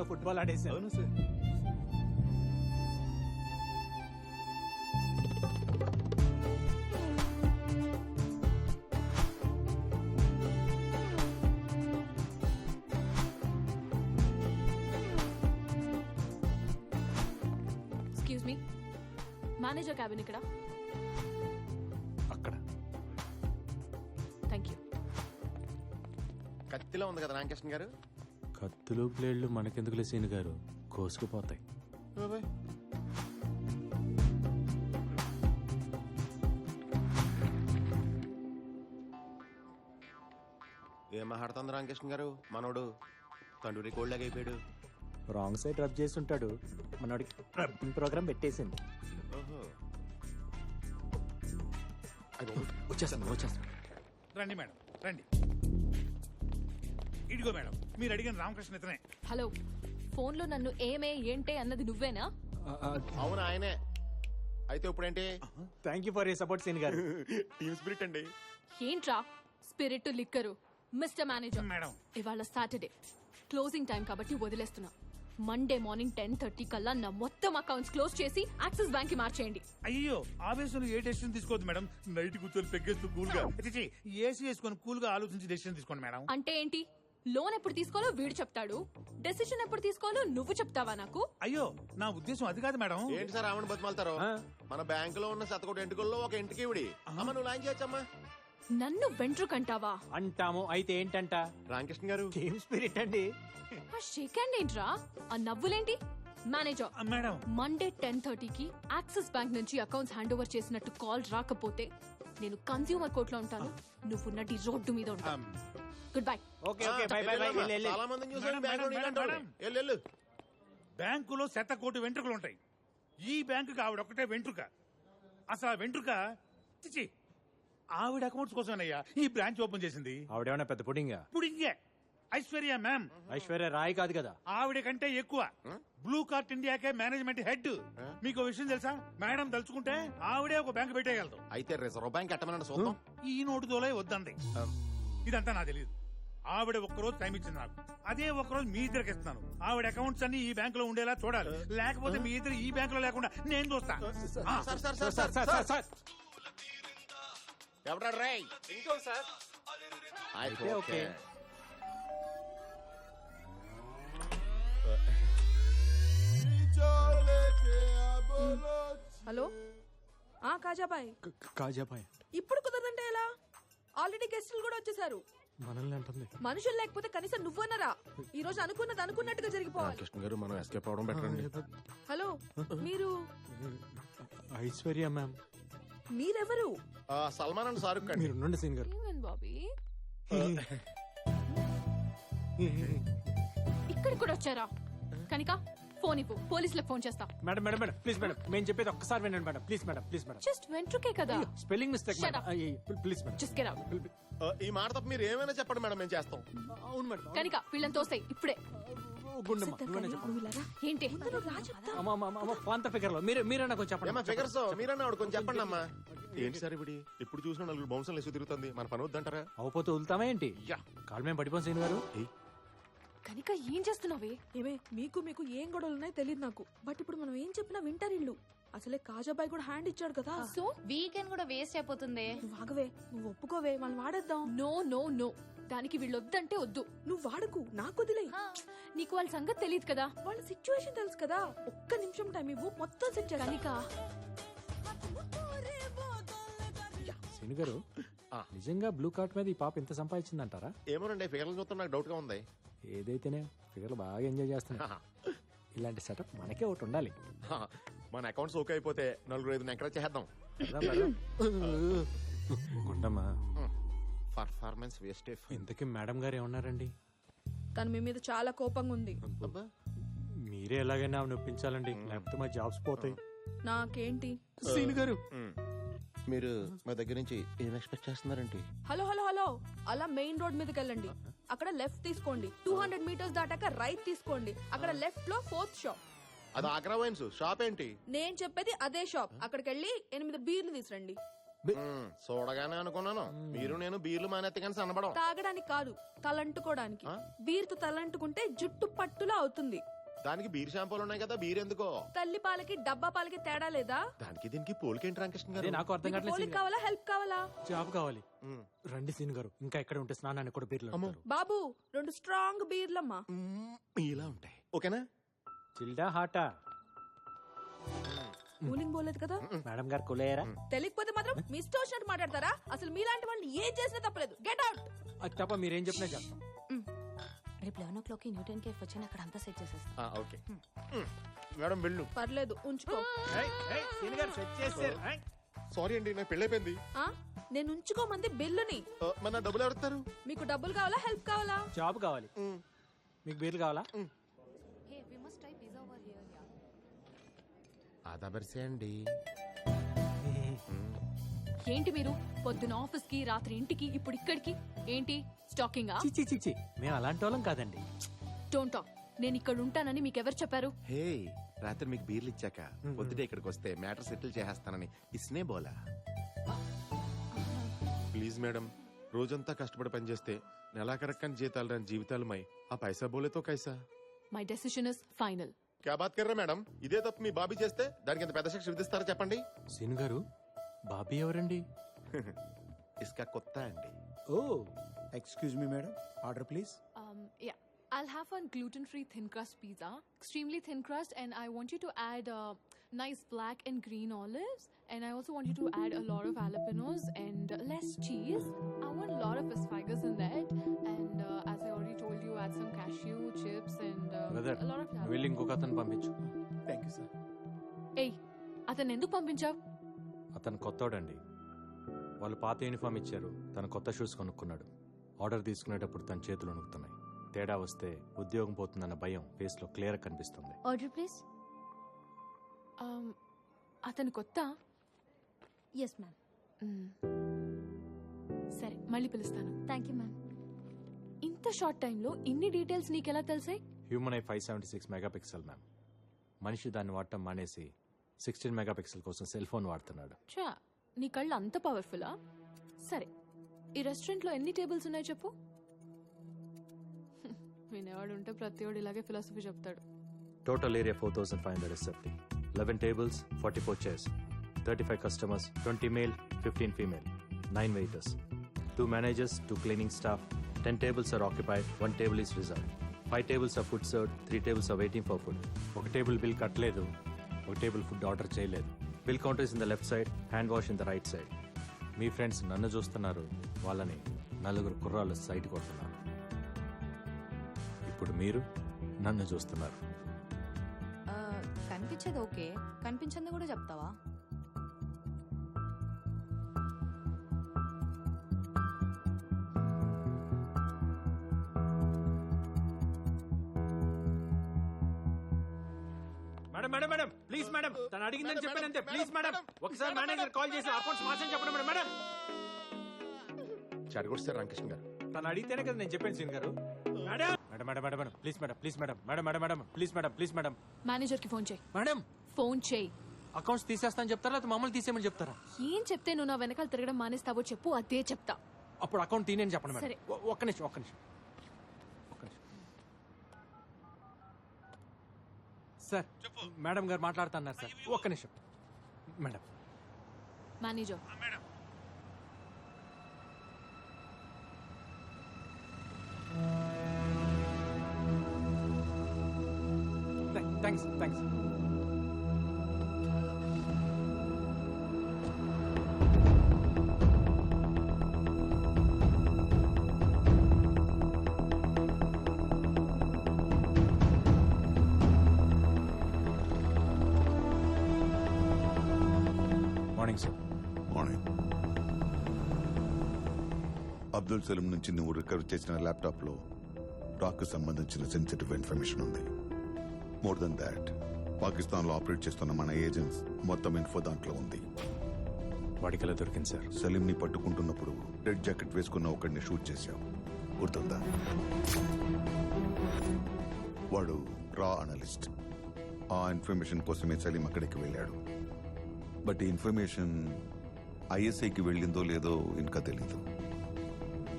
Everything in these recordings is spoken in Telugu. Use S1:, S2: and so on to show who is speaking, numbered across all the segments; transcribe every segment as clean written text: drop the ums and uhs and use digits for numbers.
S1: ఫుట్బాల్ ఆడేసాను.
S2: అవును sir.
S3: Excuse me, manager cabin ఇక్కడ.
S1: అక్కడ
S3: థ్యాంక్ యూ.
S4: కత్తిలో ఉంది కదా రామకృష్ణ గారు.
S1: కత్తులు ప్లేడ్లు మనకెందుకులే సీన్ గారు, కోసుకుపోతాయి.
S4: ఏం మాట్లాడుతుంది రామకృష్ణ గారు? మనోడు తండ్రి కోళ్ళగా అయిపోయాడు.
S1: రాంగ్ సైడ్ రబ్ చేసి ఉంటాడు, మనోడికి రబ్బింగ్ ప్రోగ్రామ్ పెట్టేసింది.
S4: ఓహో.
S1: వచ్చేస్తాను.
S2: రండి మేడం, రండి. ఇదిగో మేడం, మీరు అడిగిన రామకృష్ణ ఇతనే.
S3: హలో, ఫోన్లో నన్ను ఏమే ఏంటే అన్నది నువ్వేనా?
S4: అవును ఆయనే. అయితే ఇప్పుడేంటి?
S1: Thank you for you support scene గారు.
S4: టీమ్ స్పిరిట్ అండి.
S3: ఏంట్రా spirit liquor? Mister manager,
S2: madam.
S3: ఇవాళ సాటర్డే క్లోజింగ్ టైం కాబట్టి వదిలేస్తున్నా. మండే మార్నింగ్ 10:30 కల్లా నా మొత్తం అకౌంట్స్ క్లోజ్ చేసి యాక్సిస్ బ్యాంక్ కి మార్చేయండి.
S2: అయ్యో, ఆవేశంలో ఏ డెసిషన్ తీసుకోవద్దు మేడం. నైట్ కూర్చొని పెగ్గేస్తూ కూల్ గా ఏసీ వేసుకొని కూల్ గా ఆలోచించి డెసిషన్ తీసుకోండి మేడం.
S3: అంటే ఏంటి? లోన్ ఎప్పుడు తీసుకోవాలో వీడు చెప్తాడు, డెసిషన్ ఎప్పుడు తీసుకోవాలో నువ్వు చెప్తావా నాకు?
S2: అయ్యో, నా ఉద్దేశం అది కాదు మేడం.
S4: ఏంటి సార్ ఆమెను బతిమాలతారు? మన బ్యాంకులో ఉన్న శతకోటి ఎంటుకల్లో ఒక ఇంటికి ఇవిడి. అమ్మ నువ్వు లాంచ్ చేయొచ్చమ్మా.
S3: నన్ను వెంట్రుకంటావా?
S1: అంటాము. అయితే ఏంటంట?
S4: రామకృష్ణ గారు
S1: టీమ్ స్పిరిట్ అండి.
S3: ఆ షేక్ హ్యాండ్ ఏంట్రా? ఆ నవ్వులేంటి? మేనేజర్,
S2: మేడం,
S3: మండే 10:30కి యాక్సిస్ బ్యాంక్ నుంచి అకౌంట్స్ హ్యాండ్ ఓవర్ చేసినట్టు కాల్ రాకపోతే నేను కన్స్యూమర్ కోర్ట్ లో ఉంటాను, నువ్వు నటి రోడ్డు మీద ఉంటాను. Good bye.
S1: Okay okay, bye bye bye.
S4: చాలా మందిని చూసాను
S2: మేడం, మేడం.
S4: వెళ్ళు.
S2: బ్యాంకులో 100 వెంట్రుకలు ఉంటాయి. ఈ బ్యాంకుకి ఆవిడ ఒక్కటే వెంట్రుక. అసలు ఆ వెంట్రుక చిచి ఆవిడ అకౌంట్స్ కోసమేనయ్యా ఈ బ్రాంచ్ ఓపెన్ చేసింది.
S1: ఆవిడేమన్నా పెద్ద పుడింగా?
S2: ఇప్పుడు ఇంకే ఐశ్వర్య మ్యామ్.
S1: ఐశ్వర్య రాయ్ కాదు కదా.
S2: ఆవిడ కంటే ఎక్కువ బ్లూ కార్ట్ ఇండియాకే మేనేజ్మెంట్ హెడ్. మీకు విషయం తెలుసా? మేడం తలుచుకుంటే ఆవిడే ఒక బ్యాంక్ పెట్టేయగలదు.
S4: అయితే రిజర్వ్ బ్యాంక్ ఎట్టమనండి చూద్దాం.
S2: ఈ నోటు దోలే వద్దంది. ఇదంతా నాకు తెలియదు. ఆవిడ ఒక్కరోజు టైం ఇచ్చింది నాకు. అదే ఒక్కరోజు మీ ఇద్దరికి ఇస్తున్నాను. ఆవిడ అకౌంట్స్ అన్ని ఈ బ్యాంక్ లో ఉండేలా చూడాలి. లేకపోతే మీ ఇద్దరు ఈ బ్యాంక్ లో లేకుండా నేను చూస్తా.
S4: ఎవడా రై?
S1: ఇంకో సార్.
S4: అయితే ఓకే.
S5: హలో, కాజాబాయ్.
S1: కాజాబాయ్
S5: ఇప్పుడు కుదరదంటే ఎలా? ఆల్రెడీ గెస్టులు కూడా వచ్చేసారు.
S1: మనల్ని అంటుంది.
S5: మనుషులు లేకపోతే కనీసం నువ్వన్నరా? ఈ రోజు అనుకున్నది అనుకున్నట్టుగా జరిగిపోవాలి.
S4: కృష్ణ గారు మనం ఎస్కేప్ అవడం బెటర్.
S5: హలో, మీరు
S1: ఐశ్వర్య మ్యామ్.
S5: మీరెవరు?
S4: సల్మాన్ అండ్ షారుఖ్ ఖాన్.
S1: మీరు ఉండండి సీన్ గారు.
S3: ఏమైంది బాబీ? ఇక్కడికి కూడా వచ్చారా? కనిక ఫోన్ ఇవ్వు, పోలీసులకు ఫోన్ చేస్తా.
S1: Madam madam madam please madam, మేము చెప్పేది ఒక్కసారి వినండి madam. Please madam, please madam.
S3: Just వెంట్రుకే కదా.
S1: Spelling mistake
S3: Shut up.
S1: Please madam.
S3: Just get out.
S4: ఈ మాట తప్ప మీరు ఏమైనా చెప్పండి మేడం, మేము చేస్తాం.
S1: అవును మేడం.
S3: కనిక వీళ్ళని తోసేయ్ ఇప్పుడే.
S1: గుండమ్మ నువ్వనే చెప్పు.
S5: నువ్వు ఇలా రా.
S3: ఏంటి?
S5: ముందు రా చెప్తా.
S1: అమ్మ పాంత ఫిగర్ లో మీరే నాకు చెప్పండి.
S4: ఏమా ఫిగర్స్ మీరన్నా ఆవిడ కొంచెం చెప్పండి అమ్మా. ఏంటి సార్ ఇప్పుడు ఎప్పుడు చూసినా నలుగురు బౌన్సర్లు వేసి తిరుగుతుంది, మన పని వద్దంటారా?
S1: అవపోతే వదులుతామా ఏంటి?
S4: యా.
S1: కాలు మేము పడిపోయి సీన్ గారు.
S3: కనిక ఏం చేస్తున్నావే?
S5: ఏమే, మీకు ఏం గొడవలు ఉన్నాయో తెలియదు నాకు. బట్ ఇప్పుడు మనం ఏం చెప్పినా వింటారు ఇల్లు. అసలే కాజాబాయ్ కూడా హ్యాండ్ ఇచ్చాడు కదా.
S3: సో
S6: వీకెండ్ కూడా వేస్ట్ అయిపోతుంది.
S5: నువ్వు ఆగవే, నువ్వు ఒప్పుకోవే, మనం వాడేద్దాం.
S3: నో నో నో, దానికి వీళ్ళు వద్దంటే వద్దు.
S5: నువ్వు వాడకు, నాకు వదిలే.
S3: నీకు వాళ్ళ సంగతి తెలియదు కదా.
S5: వాళ్ళ సిచ్యువేషన్ తెలుసు కదా. ఒక్క నిమిషం టైం ఇవ్వు, మొత్తం సెట్ చేస్తా.
S3: కనిక
S1: సీన్ గారు, నిజంగా బ్లూ కార్ట్ మీద ఈ పాప ఎంత సంపాదించిందంటారా?
S4: ఏమోనండి ఫిగర్లు చూస్తే నాకు డౌట్ గా ఉంది.
S1: ఏదైతేనే ఫిగర్లు బాగా ఎంజాయ్ చేస్తున్నా. ఇలాంటి సెటప్ మనకే ఒకటి ఉండాలి.
S4: మన అకౌంట్స్ ఓకే అయిపోతే నలుగురు ఐదు ఎంకరేజ్ చేద్దాం.
S1: గుండమ్మా,
S4: పర్ఫార్మెన్స్ వేస్ట్.
S1: ఇంతకీ మేడం గారు ఏమన్నారండి?
S5: తను మీ మీద చాలా కోపంగా ఉంది.
S1: మీరే ఎలాగైనా ఆమె ఒప్పించాలండి, లేకపోతే మా జాబ్స్ పోతాయి.
S5: నాకేంటి?
S1: సీన్ గారు,
S4: మీరు మా దగ్గర నుంచి ఏం ఎక్స్పెక్ట్ చేస్తున్నారంటే?
S5: హలో హలో హలో, అలా మెయిన్ రోడ్ మీదకి వెళ్ళండి. అక్కడ లెఫ్ట్ తీసుకోండి. 200 మీటర్స్ దాటాక రైట్ తీసుకోండి. అక్కడ లెఫ్ట్ లో 4th షాప్.
S4: అది ఆగ్రా వైన్స్ షాప్ ఏంటి?
S5: నేను చెప్పేది అదే షాప్. అక్కడికి వెళ్ళి 8 బీర్లు తీసురండి.
S4: చూడగానే అనుకున్నాను మీరు నేను బీర్లు మానేత్తే కానీ సన్నబడం.
S5: తాగడానికి కాదు, తలంటుకోవడానికి. బీర్తో తలంటుకుంటే జుట్టు పట్టులా అవుతుంది.
S4: దానికి బీర్ షాంపూలు ఉన్నాయి కదా, బీర్ ఎందుకో?
S5: తల్లి పాలకి డబ్బా పాలకి తేడా లేదా?
S4: దానికి దీనికి పోలికేంటి రామకృష్ణ
S1: అదే
S4: గారు?
S1: నాకు అర్థం
S5: మీకు
S1: కావట్లేదు
S5: పోలిక
S1: సీన్ గారు.
S5: కావాలా హెల్ప్ కావాలా?
S1: జాబ్ కావాలి.
S4: మ్మ్.
S1: రండి సీన్ గారు, ఇంకా ఎక్కడ ఉంటే స్నానాన్ని కూడా బీర్లు
S4: అమ్మో.
S1: అంటారు.
S5: బాబు 2 స్ట్రాంగ్ బీర్లమ్మా.
S4: ఇలా ఉంటాయి, ఓకేనా?
S1: చిల్డా హాటా?
S5: కూలింగ్ పోలేదు కదా?
S1: మేడం గారు కులేయరా?
S5: తెలియకపోతే మాత్రం మీ ఇష్టం వచ్చినట్టు మాట్లాడతారా? అసలు మీలాంటి వాళ్ళని ఏం చేసినా తప్పలేదు. Get out.
S1: అది తప్ప మీరేం చెప్పినా చేస్తాం.
S6: రేపు 11 o'clock న్యూటన్ కేఫ్ వచ్చి అక్కడ అంతా సెట్ చేసేస్తాం.
S4: ఓకే మేడం వెళ్ళు.
S5: పర్లేదు ఉంచుకో.
S4: సారీ అండి, నాకు పెళ్ళైపోయింది.
S5: ఆ? నేను ఉంచుకోమంది బిల్లుని.
S4: మన డబ్బులు ఎవరుతారు?
S5: మీకు డబ్బులు కావాలా హెల్ప్ కావాలా?
S1: జాబ్ కావాలి. మీకు బీర్లు కావాలా?
S6: Hey, we must try pizza over here, yeah.
S4: ఆదా బరిసే అండి.
S3: ఏంటి మీరు పొద్దున ఆఫీస్ కి, రాత్రి ఇంటికి, ఇప్పుడు ఇక్కడికి ఏంటి స్టాకింగా?
S1: చిచ్చి చిచ్చి, మేము అలాంటి వాళ్ళం కాదండి.
S3: Don't talk. నేను ఇక్కడ ఉంటానని మీకు ఎవరు చెప్పారు?
S4: హే, రాత్రి మీకు బీర్లు ఇచ్చాక పొద్దుటే ఇక్కడికి వస్తే మ్యాటర్ సెటిల్ చేసేస్తానని ఇస్నే బోలా. ప్లీజ్ మేడం, రోజంతా కష్టపడి పనిచేస్తే నెలాఖరక్కని జీతాలు రాని జీవితాలమై ఆ పైసా బోలేతో కైసా.
S3: My decision is final.
S4: క్యా బాత్ కర్రా మేడం? ఇదే తప్పు మీ బాబీ చేస్తే దానికి ఎంత పెద్ద శిక్ష విధిస్తారో చెప్పండి.
S1: సీన్ గారు, బాబీ ఎవరండి?
S4: ఇస్కా కొత్త అండి.
S7: ఓ excuse me madam, order please.
S3: Yeah, I'll have one gluten-free thin crust pizza, extremely thin crust, and I want you to add nice black and green olives, and I also want you to add a lot of jalapenos and less cheese. I want a lot of asparagus in that, and as I already told you, add some cashew chips and
S1: brother,
S3: a lot of jalapenos.
S1: వెళ్ళి ఇంకొక అతను పంపించు.
S7: Thank you sir.
S3: Hey, అతను ఎందుకు పంపించావు?
S1: అతను కొత్తోడండి. వాళ్ళు పాత యూనిఫామ్ ఇచ్చారు, తను కొత్త షూస్ కొనుక్కున్నాడు. ఆర్డర్ తీసుకునేటప్పుడు తన చేతులు వణుకుతున్నాయి. తేడా వస్తే ఉద్యోగం పోతుందన్న భయం ఫేస్ లో క్లియర్ కనిపిస్తుంది.
S6: Order, please.
S3: అతను కొత్త?
S6: Yes, ma'am.
S3: సరే, మళ్ళీ పిలుస్తాను.
S6: Thank you, ma'am.
S3: ఇంత షార్ట్ టైంలో ఇన్ని డీటెయిల్స్ నీకెలా తెలిసాయి?
S1: Human eye 576 megapixel ma'am. మనిషి దాన్ని వాడటం మానేసి 16 మెగాపిక్సెల్ కోసం సెల్ ఫోన్ వాడుతున్నాడు.
S3: చా, నీ కళ్ళు అంత పవర్ఫుల్లా? సరే, ఈ రెస్టారెంట్లో ఎన్ని టేబుల్స్ ఉన్నాయి చెప్పు. వినేవాడు ఉంటే ప్రతివాడు ఇలాగే ఫిలాసఫీ చెప్తాడు.
S1: Total area 4570. 11 tables, 44 chairs. 35 customers, 20 male, 15 female. 9 waiters. 2 managers, 2 cleaning staff. 10 tables are occupied, 1 table is reserved. 5 tables are food served, 3 tables are waiting for food. ఒక టేబుల్ బిల్ కట్టలేదు, ఒక టేబుల్ ఫుడ్ ఆర్డర్ చేయలేదు. Bill counter is in the left side, hand wash in the right side. మీ ఫ్రెండ్స్ నన్ను చూస్తున్నారు, వాళ్ళని నలుగురు కుర్రాళ్ళు సైట్ కొడుతున్నారు. ఇప్పుడు మీరు నన్ను చూస్తున్నారు.
S6: కనిపించేది ఓకే, కనిపించింది కూడా చెప్తావా?
S1: Madam madam madam please madam, తను అడిగిందని చెప్పానంతే. ప్లీజ్ మేడం, ఒకసారి మేనేజర్ కాల్ చేసి అకౌంట్స్ మార్చని చెప్పండి మేడం. మేడం
S4: చెడగొట్టారు రామకృష్ణ గారు.
S1: తను అడిగితేనే కదా నేను చెప్పాను సీన్ గారు. Madam madam madam madam please madam, please madam, madam madam madam please madam, please madam.
S3: Manager కి ఫోన్ చేయి.
S1: మేడం
S3: ఫోన్ చేయి.
S1: అకౌంట్స్ తీసేస్తాను చెప్తారా లేకపోతే మమ్మల్ని తీసేయమని చెప్తారా?
S3: ఏం చెప్తే నువ్వు నా వెనకాల తిరగడం మానేస్తావో చెప్పు, అదే చెప్తా.
S1: అప్పుడు అకౌంట్ తీనేని చెప్పండి మేడం.
S3: సరే.
S1: ఒక్క నిమిషం, ఒక్క నిమిషం, ఒక్క నిమిషం. సార్, మేడం గారు మాట్లాడుతున్నారు సార్, ఒక్క నిమిషం. Madam
S3: manager,
S1: thanks thanks. Morning sir.
S8: Morning. Abdul Salim నుంచి నువ్వు రికవర్ చేసిన ల్యాప్టాప్ లో రాక్ కు సంబంధించిన సెన్సిటివ్ ఇన్ఫర్మేషన్ ఉంది. మోర్ దెన్ దాట్, పాకిస్తాన్ లో ఆపరేట్ చేస్తున్న మన ఏజెంట్స్ మొత్తం ఇన్ఫో దాంట్లో ఉంది.
S1: వాడికి ఎలా దొరికింది సార్?
S8: సలీం ని పట్టుకుంటున్నప్పుడు రెడ్ జాకెట్ వేసుకున్న ఒకడిని షూట్ చేశావు, గుర్తుందా? వాడు రా అనలిస్ట్. ఆ ఇన్ఫర్మేషన్ కోసమే సలీం అక్కడికి వెళ్ళాడు. బట్ ఈ ఇన్ఫర్మేషన్ ఐఎస్ఐకి వెళ్ళిందో లేదో ఇంకా తెలీదు.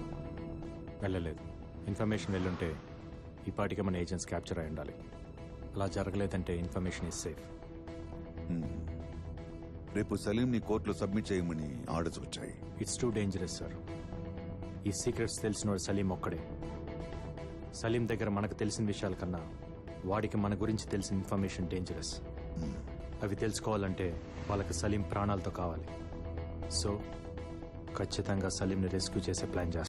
S1: వెళ్ళలేదు. ఇన్ఫర్మేషన్ వెళ్ళుంటే ఈ పాటికి మన ఏజెంట్స్ క్యాప్చర్ అయి ఉండాలి. అలా జరగలేదంటే ఇన్ఫర్మేషన్ ఇస్ సేఫ్.
S8: రేపు సలీంని కోర్టులో సబ్మిట్ చేయమని ఆర్డర్స్ వచ్చాయి.
S1: It's too dangerous sir. ఈ సీక్రెట్స్ తెలిసినోడు సలీం ఒక్కడే. సలీం దగ్గర మనకు తెలిసిన విషయాల కన్నా వాడికి మన గురించి తెలిసిన ఇన్ఫర్మేషన్ డేంజరస్. అవి తెలుసుకోవాలంటే వాళ్ళకి సలీం ప్రాణాలతో కావాలి. సో ఖచ్చితంగా సలీంని రెస్క్యూ చేసే ప్లాన్ చేస్తాం.